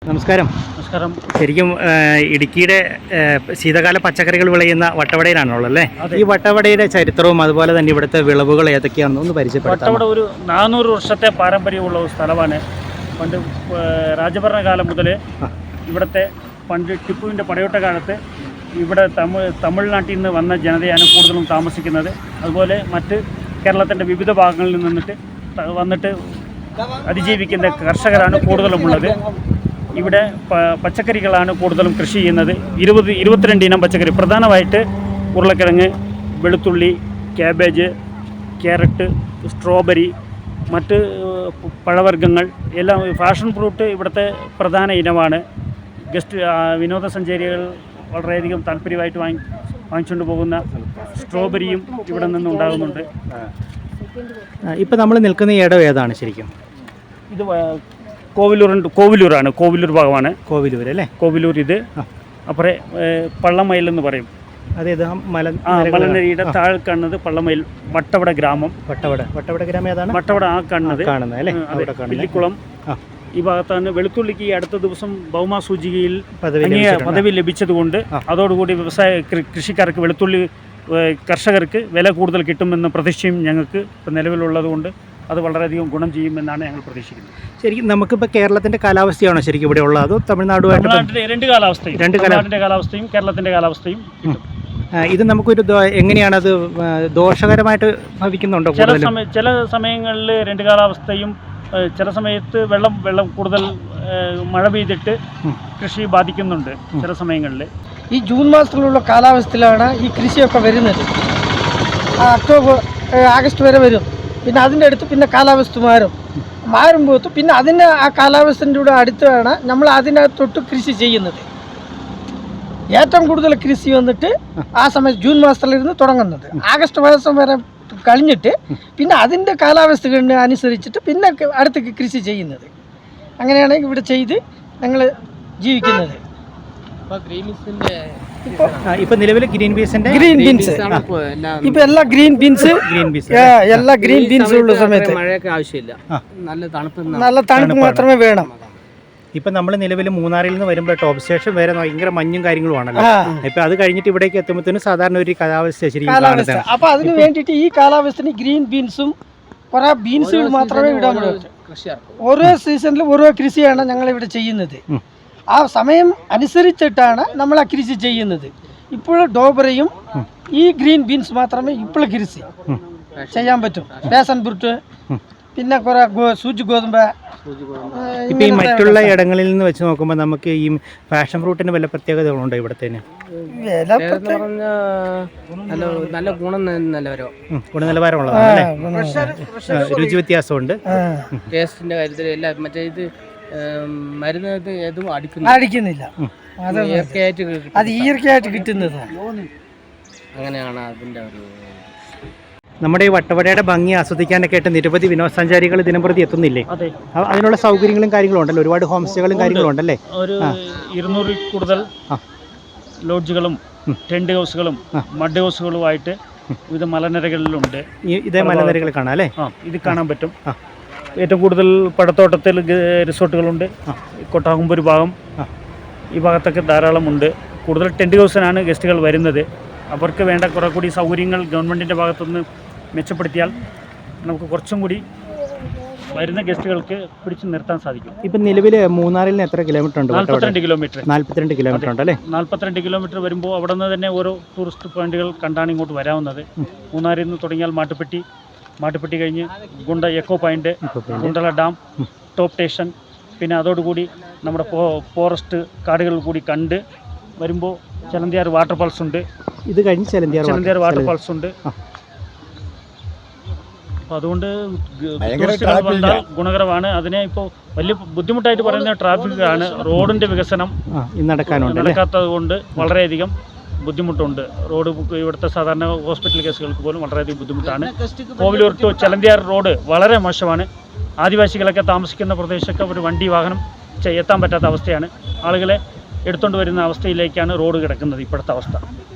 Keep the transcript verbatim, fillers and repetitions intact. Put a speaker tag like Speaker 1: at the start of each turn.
Speaker 1: നമസ്കാരം.
Speaker 2: നമസ്കാരം.
Speaker 1: ശരിക്കും ഇടുക്കിയുടെ ശീതകാല പച്ചക്കറികൾ വിളയുന്ന വട്ടവടയിലാണുള്ളത് അല്ലേ? ഈ വട്ടവടയുടെ ചരിത്രവും അതുപോലെ തന്നെ ഇവിടുത്തെ വിളവുകൾ ഏതൊക്കെയാണെന്ന് ഒന്ന് പരിചയപ്പെടുത്താം.
Speaker 2: വട്ടവട ഒരു നാനൂറ് വർഷത്തെ പാരമ്പര്യമുള്ള ഒരു സ്ഥലമാണ്. പണ്ട് രാജഭരണകാലം മുതൽ ഇവിടുത്തെ പണ്ട് ടിപ്പുവിൻ്റെ പടയോട്ട കാലത്ത് ഇവിടെ തമിഴ് തമിഴ്നാട്ടിൽ നിന്ന് വന്ന ജനതയാണ് കൂടുതലും താമസിക്കുന്നത്. അതുപോലെ മറ്റ് കേരളത്തിൻ്റെ വിവിധ ഭാഗങ്ങളിൽ നിന്നിട്ട് വന്നിട്ട് അതിജീവിക്കുന്ന കർഷകരാണ് കൂടുതലുമുള്ളത്. ഇവിടെ പച്ചക്കറികളാണ് കൂടുതലും കൃഷി ചെയ്യുന്നത്. ഇരുപത് ഇരുപത്തിരണ്ട് ഇനം പച്ചക്കറി, പ്രധാനമായിട്ട് ഉരുളക്കിഴങ്ങ്, വെളുത്തുള്ളി, ക്യാബേജ്, ക്യാരറ്റ്, സ്ട്രോബെറി, മറ്റ് പഴവർഗ്ഗങ്ങൾ എല്ലാം. ഫാഷൻ ഫ്രൂട്ട് ഇവിടുത്തെ പ്രധാന ഇനമാണ്. ഗസ്റ്റ് വിനോദസഞ്ചാരികൾ വളരെയധികം താല്പര്യമായിട്ട് വാങ്ങി വാങ്ങിച്ചുകൊണ്ട് പോകുന്ന സ്ട്രോബെറിയും ഇവിടെ നിന്ന് ഉണ്ടാകുന്നുണ്ട്.
Speaker 1: ഇപ്പം നമ്മൾ നിൽക്കുന്ന ഈ ഇടം ഏതാണ് ശരിക്കും?
Speaker 2: ഇത് കോവിലൂറുണ്ട്. കോവിലൂരാണ്, കോവിലൂർ ഭാഗമാണ്.
Speaker 1: കോവിലൂർ അല്ലേ?
Speaker 2: കോവിലൂർ. ഇത് അപ്പുറേ പള്ളമയിൽ എന്ന് പറയും.
Speaker 1: അതേത് മല
Speaker 2: മലനിരയുടെ താഴെ കാണുന്നത് പള്ളമയിൽ. വട്ടവട ഗ്രാമം.
Speaker 1: വട്ടവട വട്ടവട ഗ്രാമം ഏതാണ്?
Speaker 2: വട്ടവട ആ കാണുന്നത്
Speaker 1: കാണുന്നത് അല്ലേ?
Speaker 2: പില്ലിക്കുളം ഈ ഭാഗത്താണ്. വെളുത്തുള്ളിക്ക് ഈ അടുത്ത ദിവസം ഭൗമ സൂചികയിൽ പദവി ലഭിച്ചതുകൊണ്ട് അതോടുകൂടി വ്യവസായ കൃഷിക്കാർക്ക്, വെളുത്തുള്ളി കർഷകർക്ക് വില കൂടുതൽ കിട്ടുമെന്ന പ്രതീക്ഷയും ഞങ്ങൾക്ക് ഇപ്പം നിലവിലുള്ളതുകൊണ്ട് അത് വളരെയധികം ഗുണം ചെയ്യുമെന്നാണ് ഞങ്ങൾ പ്രതീക്ഷിക്കുന്നത്.
Speaker 1: ശരിക്കും നമുക്കിപ്പോൾ കേരളത്തിൻ്റെ കാലാവസ്ഥയാണോ ശരിക്കും ഇവിടെ ഉള്ളത്, അതോ തമിഴ്നാടുമായിട്ട്?
Speaker 2: രണ്ട് കാലാവസ്ഥയും,
Speaker 1: രണ്ട്
Speaker 2: തമിഴ്നാടിൻ്റെ കാലാവസ്ഥയും കേരളത്തിൻ്റെ കാലാവസ്ഥയും.
Speaker 1: ഇത് നമുക്കൊരു എങ്ങനെയാണത് ദോഷകരമായിട്ട് ഭവിക്കുന്നുണ്ടോ?
Speaker 2: ചില സമയ ചില സമയങ്ങളിൽ രണ്ട് കാലാവസ്ഥയും, ചില സമയത്ത് വെള്ളം വെള്ളം കൂടുതൽ മഴ പെയ്തിട്ട് കൃഷി ബാധിക്കുന്നുണ്ട് ചില സമയങ്ങളിൽ.
Speaker 3: ഈ ജൂൺ മാസത്തിലുള്ള കാലാവസ്ഥയിലാണ് ഈ കൃഷിയൊക്കെ വരുന്നത്. ഒക്ടോബർ ആഗസ്റ്റ് വരെ വരും. പിന്നെ അതിൻ്റെ അടുത്ത് പിന്നെ കാലാവസ്ഥ മാറും. മാറുമ്പോൾ പിന്നെ അതിന് ആ കാലാവസ്ഥൻ്റെ കൂടെ അടുത്താണ് നമ്മൾ അതിനകത്തൊട്ട് കൃഷി ചെയ്യുന്നത്. ഏറ്റവും കൂടുതൽ കൃഷി വന്നിട്ട് ആ സമയത്ത് ജൂൺ മാസത്തിലിരുന്ന് തുടങ്ങുന്നത്. ആഗസ്റ്റ് മാസം വരെ കഴിഞ്ഞിട്ട് പിന്നെ അതിൻ്റെ കാലാവസ്ഥ അനുസരിച്ചിട്ട് പിന്നെ അടുത്ത് കൃഷി ചെയ്യുന്നത്. അങ്ങനെയാണ് ഇവിടെ ചെയ്ത് ഞങ്ങൾ ജീവിക്കുന്നത്.
Speaker 1: ഇപ്പൊ നിലവിൽ ഗ്രീൻ പീസിന്റെ
Speaker 3: ഗ്രീൻ ബീൻസ് ഇപ്പൊ എല്ലാ ഗ്രീൻ ബീൻസ്
Speaker 1: ഗ്രീൻ ബീൻസ്
Speaker 3: എല്ലാ ഗ്രീൻ ബീൻസ് ഉള്ള സമയത്ത്
Speaker 4: മഴയൊക്കെ ആവശ്യമില്ല, നല്ല തണുപ്പ്
Speaker 3: നല്ല തണുപ്പ് മാത്രമേ വേണം.
Speaker 1: ഇപ്പൊ നമ്മൾ നിലവിൽ മൂന്നാറിൽ നിന്ന് വരുമ്പോൾ ടോപ്പ് സ്റ്റേഷൻ വരെ ഭയങ്കര മഞ്ഞും കാര്യങ്ങളും ആണല്ലോ. ഇപ്പൊ അത് കഴിഞ്ഞിട്ട് ഇവിടേക്ക് എത്തുമ്പോഴത്തേനും സാധാരണ ഒരു കാലാവസ്ഥ ശരിക്കും.
Speaker 3: അപ്പൊ അതിന് വേണ്ടിയിട്ട് ഈ കാലാവസ്ഥന് ഗ്രീൻ ബീൻസും കുറെ ബീൻസുകൾ മാത്രമേ ഇടാൻ പറ്റൂ. ഓരോ സീസണിലും ഓരോ കൃഷിയാണ് ഞങ്ങൾ ഇവിടെ ചെയ്യുന്നത്. ആ സമയം അനുസരിച്ചിട്ടാണ് നമ്മൾ ആ കൃഷി ചെയ്യുന്നത്. ഇപ്പോൾ ഡോബറയും ഈ ഗ്രീൻ ബീൻസ് മാത്രമേ ഇപ്പോൾ കൃഷി ചെയ്യാൻ പറ്റും. പാഷൻ ഫ്രൂട്ട്, പിന്നെ കുറെ സൂചി ഗോതമ്പ്.
Speaker 1: ഇപ്പം ഈ മറ്റുള്ള ഇടങ്ങളിൽ നിന്ന് വെച്ച് നോക്കുമ്പോൾ നമുക്ക് ഈ പാഷൻ ഫ്രൂട്ടിന് വല്ല പ്രത്യേകതകളുണ്ടോ ഇവിടത്തേന്?
Speaker 4: നല്ല
Speaker 1: ഗുണനിലവാരമുള്ളതാണ്, രുചി വ്യത്യാസമുണ്ട്.
Speaker 4: ടേസ്റ്റിന്റെ കാര്യത്തിൽ എല്ലാം മറ്റേ ഇത് മരുന്ന് ഏതും
Speaker 3: അടിക്കുന്നില്ല. അത് ഈർക്കയായിട്ട് കിട്ടുന്നത്.
Speaker 4: അങ്ങനെയാണ് അതിൻ്റെ ഒരു.
Speaker 1: നമ്മുടെ ഈ വട്ടവടയുടെ ഭംഗി ആസ്വദിക്കാനൊക്കെ ആയിട്ട് നിരവധി വിനോദസഞ്ചാരികൾ ദിനംപ്രതി എത്തുന്നില്ലേ? അതിനുള്ള സൗകര്യങ്ങളും കാര്യങ്ങളും ഉണ്ടല്ലോ, ഒരുപാട് ഹോം സ്റ്റേകളും കാര്യങ്ങളും ഉണ്ടല്ലേ?
Speaker 2: ഒരു ഇരുന്നൂറിൽ കൂടുതൽ ലോഡ്ജുകളും ടെന്റ് ഹൗസുകളും മഡ് ഹൗസുകളുമായിട്ട് വിവിധ മലനിരകളിലുണ്ട്.
Speaker 1: ഇതേ മലനിരകൾ കാണാം അല്ലേ?
Speaker 2: ആ, ഇത് കാണാൻ പറ്റും. ഏറ്റവും കൂടുതൽ പടത്തോട്ടത്തിൽ റിസോർട്ടുകളുണ്ട്. കൊട്ടാകുമ്പൂർ ഭാഗം ഈ ഭാഗത്തൊക്കെ ധാരാളമുണ്ട്. കൂടുതൽ ടെൻറ്റ് ഹൗസിനാണ് ഗസ്റ്റുകൾ വരുന്നത്. അവർക്ക് വേണ്ട കുറെ കൂടി സൗകര്യങ്ങൾ ഗവൺമെൻറ്റിൻ്റെ ഭാഗത്തുനിന്ന് മെച്ചപ്പെടുത്തിയാൽ നമുക്ക് കുറച്ചും കൂടി വരുന്ന ഗസ്റ്റുകൾക്ക് പിടിച്ചു നിർത്താൻ സാധിക്കും.
Speaker 1: ഇപ്പം നിലവിൽ മൂന്നാറിൽ നിന്ന് എത്ര കിലോമീറ്റർ ഉണ്ട്?
Speaker 2: നാൽപ്പത്തിരണ്ട് കിലോമീറ്റർ.
Speaker 1: നാൽപ്പത്തിരണ്ട് കിലോമീറ്റർ ഉണ്ട് അല്ലേ?
Speaker 2: നാൽപ്പത്തിരണ്ട് കിലോമീറ്റർ വരുമ്പോൾ അവിടെ നിന്ന് തന്നെ ഓരോ ടൂറിസ്റ്റ് പോയിന്റുകൾ കണ്ടാണ് ഇങ്ങോട്ട് വരാവുന്നത്. മൂന്നാറിൽ നിന്ന് തുടങ്ങിയാൽ മാട്ടുപ്പെട്ടി, മാട്ടുപ്പെട്ടി കഴിഞ്ഞ് Kundala echo point, Kundala dam, top station, പിന്നെ അതോടുകൂടി നമ്മുടെ ഫോറസ്റ്റ് കാടുകൾ കൂടി കണ്ട് വരുമ്പോൾ ചെലന്തിയാർ വാട്ടർഫാൾസ് ഉണ്ട്.
Speaker 1: ഇത് കഴിഞ്ഞ് ചെലന്തിയാർ
Speaker 2: ചെലന്തിയാർ വാട്ടർഫാൾസ് ഉണ്ട്. അപ്പോൾ അതുകൊണ്ട് ടൂറിസ്റ്റുകൾ വന്നാൽ ഗുണകരമാണ്. അതിനെ ഇപ്പോൾ വലിയ ബുദ്ധിമുട്ടായിട്ട് പറയുന്ന ട്രാഫിക് ആണ്. റോഡിൻ്റെ വികസനം നടക്കാത്തത് കൊണ്ട് വളരെയധികം ബുദ്ധിമുട്ടുണ്ട്. റോഡ് ഇവിടുത്തെ സാധാരണ ഹോസ്പിറ്റൽ കേസുകൾക്ക് പോലും വളരെയധികം ബുദ്ധിമുട്ടാണ്. കോവിലൂർ ടു ചെലന്തിയാർ റോഡ് വളരെ മോശമാണ്. ആദിവാസികളൊക്കെ താമസിക്കുന്ന പ്രദേശമൊക്കെ ഒരു വണ്ടി വാഹനം എത്താൻ പറ്റാത്ത അവസ്ഥയാണ്. ആളുകളെ എടുത്തുകൊണ്ട് വരുന്ന അവസ്ഥയിലേക്കാണ് റോഡ് കിടക്കുന്നത് ഇപ്പോഴത്തെ അവസ്ഥ.